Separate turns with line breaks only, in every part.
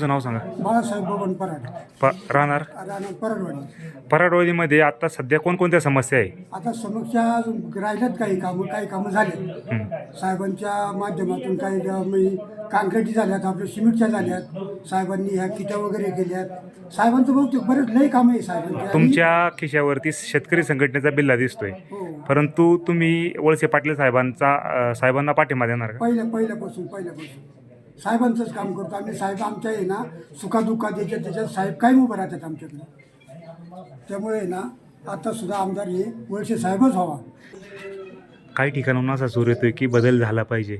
तुमचं नाव सांगा.
बाळासाहेब बबन पराड,
राहणार
राहणार परडवाडी.
पराडवाडीमध्ये आता सध्या कोणकोणत्या समस्या आहे?
आता समस्या राहिल्यात काही कामं झाले साहेबांच्या माध्यमातून. काही काँक्रिटी झाल्यात, आपल्या सिमेंटच्या झाल्यात, साहेबांनी ह्या किटा वगैरे केल्यात. साहेबांचं बहुतेक बरेच लई कामं आहे साहेबांच्या.
तुमच्या खिशावरती शेतकरी संघटनेचा बिल्ला दिसतोय,
हो.
परंतु तुम्ही वळसे पाटील साहेबांना पाठिंबा देणार का?
पहिल्यापासून साहेबांचंच काम करतो आम्ही. साहेब आमच्या आहे ना सुखादुःखात त्याच्यात साहेब कायम उभं राहतात आमच्याकडे. त्यामुळे ना आता सुद्धा आमदार हे वळसे साहेबच व्हावा.
काही ठिकाणाहून असा सूर येतोय की बदल झाला पाहिजे.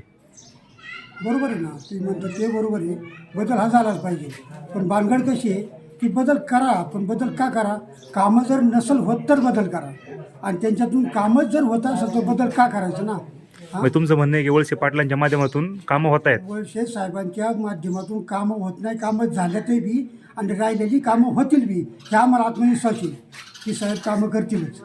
बरोबर आहे ना, ती म्हणतात ते बरोबर आहे, बदल हा झालाच पाहिजे. पण भानगड कशी आहे की बदल करा, पण बदल का करा? कामं जर नसल होत तर बदल करा, आणि त्यांच्यातून कामच जर होत असेल तर बदल का करायचं ना?
मग तुमचं म्हणणं आहे की वळसे पाटलांच्या माध्यमातून कामं होत आहेत?
वळसे साहेबांच्या माध्यमातून कामं होत नाही, कामं झाल्या ते बी, आणि राहिलेली कामं होतील बी, ह्या आम्हाला आत्मविश्वास येईल की साहेब कामं करतीलच.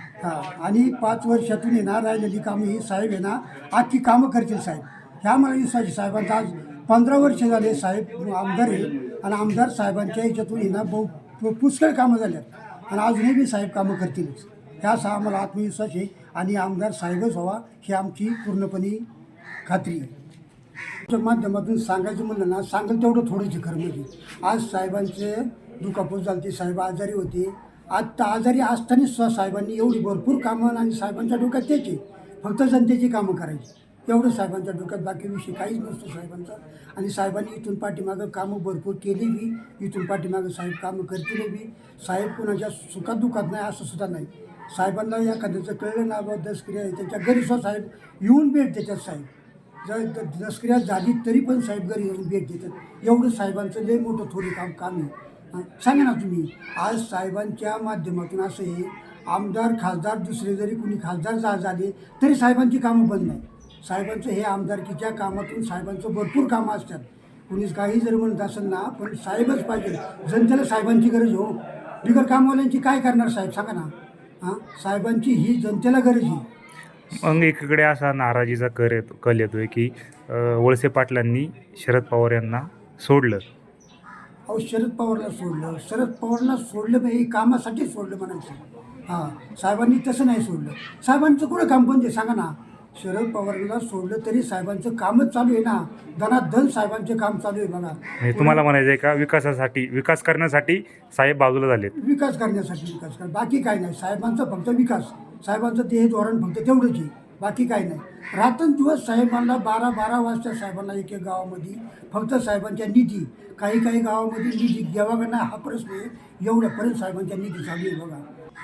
आणि 5 वर्षातून येणार राहिलेली कामं ही साहेब आहे ना आजची कामं करतील साहेब, ह्या मला विश्वास आहे. साहेबांचा आज 15 वर्ष झाले साहेब आमदार आहे, आणि आमदार साहेबांच्या ह्याच्यातून येणार पुष्कळ कामं झाल्यात, आणि अजूनही बी साहेब कामं करतीलच, ह्या असा आम्हाला आत्मविश्वास आहे. आणि आमदार साहेबच व्हावा ही आमची पूर्णपणे खात्री आहे. त्या माध्यमातून सांगायचं म्हणलं ना, सांगेल तेवढं थोडंच खरं. म्हणजे आज साहेबांचे दुखापत झाली, साहेब आजारी होते. आत्ता आजारी असताना सुद्धा साहेबांनी एवढी भरपूर कामं, आणि साहेबांच्या डोक्यात त्याची फक्त जनतेची कामं करायची, एवढं साहेबांच्या डोक्यात, बाकी विषय काहीच नसतो साहेबांचा. आणि साहेबांनी इथून पाठीमागं कामं भरपूर केली बी, इथून पाठीमागं साहेब कामं करतील बी. साहेब कुणाच्या सुखात दुखात नाही असं सुद्धा नाही. साहेबांना एखाद्याचं कळलं ना बा दसक्रिया आहे, त्यांच्या घरी सुद्धा साहेब येऊन भेट देतात. साहेब जर दसक्रिया झाली तरी पण साहेब घरी येऊन भेट देतात. एवढं साहेबांचं लय मोठं थोडी काम आहे. सांगा ना तुम्ही, आज साहेबांच्या माध्यमातून असं आहे, आमदार खासदार दुसरे जरी कुणी खासदार झाले तरी साहेबांची कामं बंद नाही. साहेबांचं हे आमदारकीच्या कामातून साहेबांचं भरपूर कामं असतात. कुणीच काही जरी म्हणत असेल ना, पण साहेबच पाहिजे. जनतेला साहेबांची गरज हो. बिगर कामवाल्यांची काय करणार साहेब, सांगा ना? साहेबांची ही जनतेला गरज आहे.
मग एकीकडे असा नाराजीचा कल येतोय की वळसे पाटलांनी शरद पवार यांना सोडलं.
अहो, शरद पवारला सोडलं पाहिजे, कामासाठी सोडलं म्हणायचं. साहेबांनी तसं नाही सोडलं. साहेबांचं कुठं काम बंद आहे सांगा ना? शरद पवारला सोडलं तरी साहेबांचं कामच चालू आहे ना, धनाधन साहेबांचे काम चालू आहे बघा.
म्हणजे तुम्हाला म्हणायचं आहे का विकास करण्यासाठी साहेब बाजूला झालेत?
विकास करण्यासाठी बाकी काय नाही. साहेबांचं फक्त विकास, साहेबांचं ते धोरण फक्त तेवढंच आहे, बाकी काय नाही. रात्रंदिवस साहेबांना 12 वाजता साहेबांना एक गावामध्ये फक्त साहेबांच्या निधी, काही गावामध्ये निधी घ्यावा का नाही हा प्रश्न आहे. एवढ्यापर्यंत साहेबांच्या निधी चालू आहे बघा.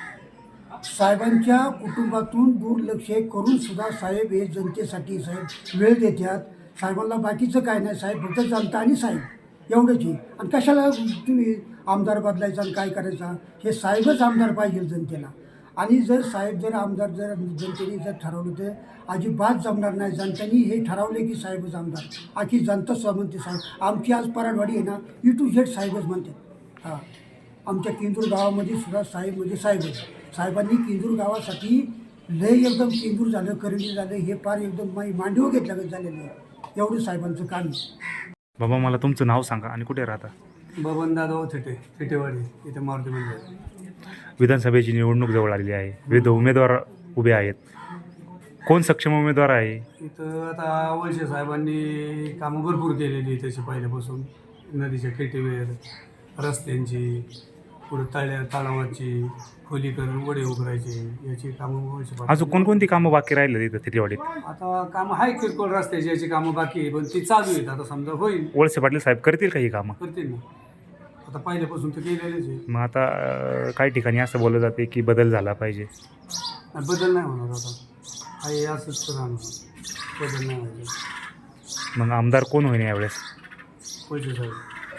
साहेबांच्या कुटुंबातून दुर्लक्ष करून सुद्धा साहेब हे जनतेसाठी साहेब वेळ देतात. साहेबांना बाकीचं काय नाही, साहेब फक्त जनता आणि साहेब एवढंच आहे. आणि कशाला तुम्ही आमदार बदलायचा आणि काय करायचा? हे साहेबच आमदार पाहिजे जनतेला. आणि जर आमदार जनतेने ठरवलं तर अजिबात जमणार नाही. जनतेने हे ठरवले की साहेबच आमदार, आखी जनता सुद्धा म्हणते साहेब. आमची आज पराडवाडी आहे ना, A to Z साहेबच म्हणते. आमच्या किंजूर गावामध्ये सुद्धा साहेब म्हणजे साहेबच. साहेबांनी किंजूर गावासाठी लय एकदम किंजूर झालं, करंजी झालं, हे फार एकदम मांडीवर घेतल्यागत झालेलं आहे. एवढं साहेबांचं काम आहे.
बाबा, मला तुमचं नाव सांगा आणि कुठे राहता?
बबन दादा थिटेवाडी, इथे मारुती मंदिर.
विधानसभेची निवडणूक जवळ आलेली आहे, विविध उमेदवार उभे आहेत. कोण सक्षम उमेदवार आहे?
इथं आता वळसे साहेबांनी कामं भरपूर केलेली आहे तशी पहिल्यापासून. नदीच्या केटीवेर, रस्त्यांची, पुढे तलावाची खोलीकरण, वडे उघडायचे, याची कामं वळसे
अजून कोणकोणती कामं बाकी राहिले तिथं थिटेवाडीत?
आता कामं आहे किरकोळ रस्त्याची, याची कामं बाकी आहे, पण ती चालू आहेत. आता समजा होईल,
वळसे पाटील साहेब करतील का ही कामं?
करतील ना. आता पहिल्यापासून तर केलेलेच आहे.
मग आता काही ठिकाणी असं बोललं जाते की बदल झाला पाहिजे.
बदल नाही होणार आता, आहे असंच राहणार, बदल नाही व्हायचं.
मग आमदार कोण होईल यावेळेस?
वळसे साहेब.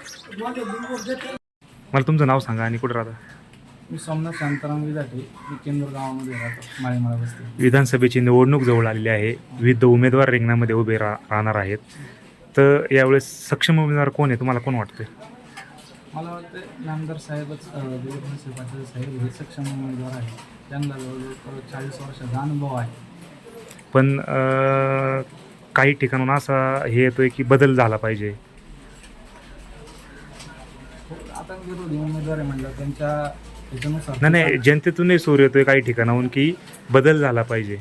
मला तुमचं नाव सांगा आणि कुठं राहता?
मी सोमनाथ शांताराम विजाटे, मी केंदूर गावामध्ये राहतो, माळीमाळा बसते.
विधानसभेची निवडणूक जवळ आलेली आहे, विविध उमेदवार रिंगणामध्ये उभे राहणार आहेत. तर यावेळेस सक्षम उमेदवार कोण आहे तुम्हाला, कोण वाटतं?
मला वाटतं नामदार साहेबच देवेंद्र पाटील साहेब हे सक्षम उमेदवार आहे. त्यांना जवळजवळ 40 वर्षाचा अनुभव आहे.
पण काही ठिकाणून असा हे येतोय की बदल झाला पाहिजे.
विरोधी उमेदवार आहे म्हणलं त्यांच्या ह्याच्यानुसार
नाही नाही, जनतेतूनही सूर येतोय काही ठिकाणाहून की बदल झाला पाहिजे.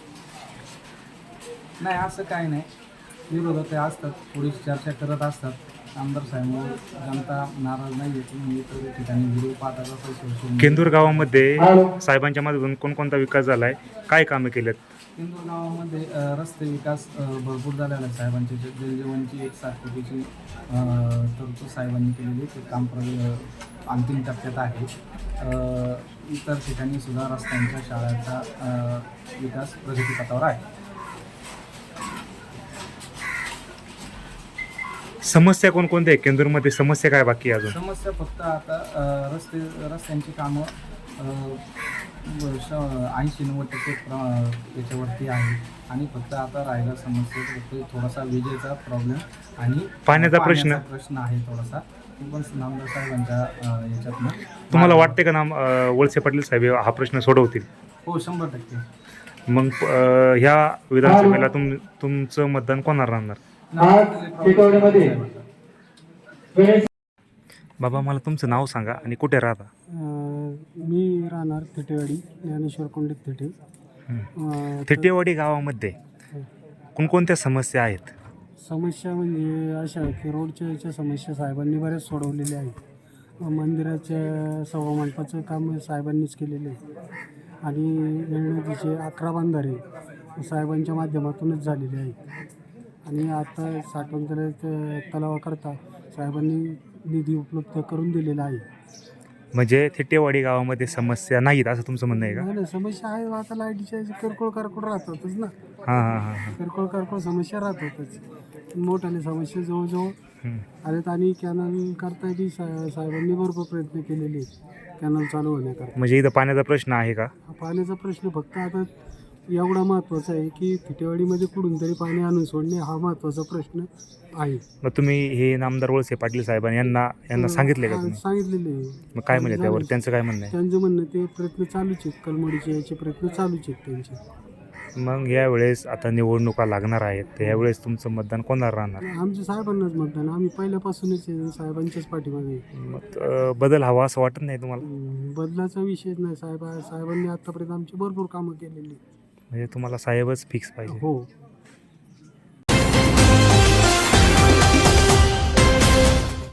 नाही असं काही नाही, विरोधक ते असतात, थोडीशी चर्चा करत असतात. आमदार साहेब जनता नाराज नाही येते म्हणजे इतर ठिकाणी व्हिडिओ पाहता कसं
केंदूर गावामध्ये साहेबांच्या माध्यमातून कोणकोणता विकास झाला आहे, काय कामं केलेत?
इंदूर गावामध्ये रस्ते विकास भरपूर झालेला आहे. साहेबांची जलजीवनची 1 कोटीची तरतूद साहेबांनी केलेली ते काम अंतिम टप्प्यात आहे. इतर ठिकाणी सुद्धा रस्त्यांच्या शाळांचा विकास प्रगतीपथावर आहे.
समस्या कोणकोणत्या आहे केंदूरमध्ये? समस्या काय बाकी आहे अजून?
समस्या फक्त आता रस्त्यांची कामं 80-90% याच्यावरती आहे आणि फक्त आता राहिला समस्या फक्त थोडासा विजेचा प्रॉब्लेम आणि
पाण्याचा प्रश्न
आहे थोडासा. तो पण नामदार साहेबांच्या याच्यातनं.
तुम्हाला वाटते का वळसे पाटील साहेब हा प्रश्न सोडवतील?
हो 100%.
मग ह्या विधानसभेला तुमचं मतदान कोणाला राहणार? बाबा मला तुमचं नाव सांगा आणि कुठे राहता?
मी राहणार थिटेवाडी, ज्ञानेश्वर कोंडे थिटे.
थिटेवाडी गावामध्ये कोणकोणत्या समस्या आहेत?
समस्या म्हणजे अशा आहे की रोडच्या समस्या साहेबांनी बऱ्याच सोडवलेल्या आहेत. मंदिराच्या सभामंडपाचं काम साहेबांनीच केलेलं आहे आणि नदीचे 11 बंधारे साहेबांच्या माध्यमातूनच झालेले आहेत. आणि आता साठवण तलावाकरता साहेबांनी निधी उपलब्ध करून दिलेला आहे.
म्हणजे थिटेवाडी गावामध्ये समस्या नाहीत असं तुमचं म्हणणं आहे का?
नाही समस्या आहे, आता लाईटीच्या किरकोळ कारकोळ राहतातच ना.
हां.
किरकोळ कारकोळ समस्या राहतातच. मोठ्याने समस्या जवळजवळ आलेत आणि कॅनल करता बी साहेबांनी भरपूर प्रयत्न केलेले आहेत कॅनल चालू होण्याकरता.
म्हणजे इथं पाण्याचा प्रश्न आहे का?
पाण्याचा प्रश्न फक्त आता एवढा महत्त्वाचा आहे की थिटेवाडीमध्ये कुठून तरी पाणी आणून सोडणे हा महत्त्वाचा प्रश्न आहे.
मग तुम्ही हे नामदार वळसे पाटील साहेबांनी यांना सांगितले का तुम्ही?
सांगितलेले आहे.
मग काय म्हणले त्यावर? त्यांचं काय म्हणणं आहे?
त्यांचं म्हणणं ते प्रयत्न चालूच आहेत, कलमडीचे याचे प्रयत्न चालूच आहेत त्यांचे.
मग यावेळेस आता निवडणुका लागणार आहेत तर यावेळेस तुमचं मतदान कोणाला राहणार?
आमच्या साहेबांनाच मतदान, आम्ही पहिल्यापासूनच साहेबांच्याच पाठीमागे.
मग बदल हवा असं वाटत नाही तुम्हाला?
बदलाचा विषयच नाही. साहेबांनी आतापर्यंत आमची भरपूर कामं केलेली.
म्हणजे तुम्हाला साहेबच फिक्स पाहिजे?
हो.